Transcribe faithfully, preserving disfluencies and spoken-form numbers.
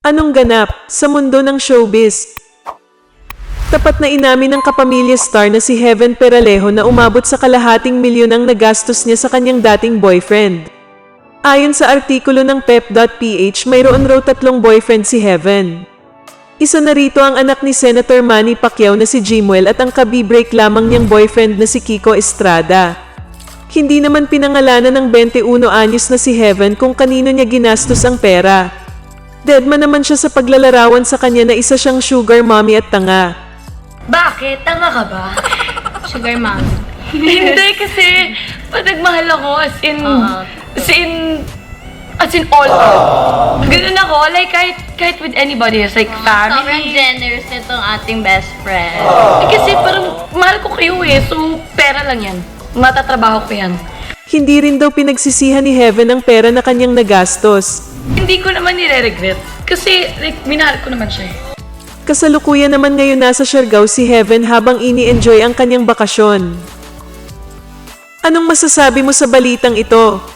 Anong ganap sa mundo ng showbiz? Tapat na inamin ng kapamilya star na si Heaven Peralejo na umabot sa kalahating milyon ang nagastos niya sa kanyang dating boyfriend. Ayon sa artikulo ng pep dot p h, mayroon raw tatlong boyfriend si Heaven. Isa na rito ang anak ni Senator Manny Pacquiao na si Jimuel at ang kabibreak lamang niyang boyfriend na si Kiko Estrada. Hindi naman pinangalanan ng twenty-one anyos na si Heaven kung kanino niya ginastos ang pera. Deadman naman siya sa paglalarawan sa kanya na isa siyang sugar mommy at tanga. Bakit? Tanga ka ba? Sugar mom. Hindi kasi pag nagmahal ako as in, Oo. as in, as in all out. Ganun ako, like kahit, kahit with anybody, it's like Sobrang family. generous nitong ating best friend. Eh, kasi parang mahal ko kayo eh, so pera lang yan. Matatrabaho ko yan. Hindi rin daw pinagsisihan ni Heaven ang pera na kanyang nagastos. Hindi ko naman nire-regret. Kasi like, minahal ko naman siya eh. Kasalukuyan naman ngayon nasa Siargao si Heaven habang ini-enjoy ang kanyang bakasyon. Anong masasabi mo sa balitang ito?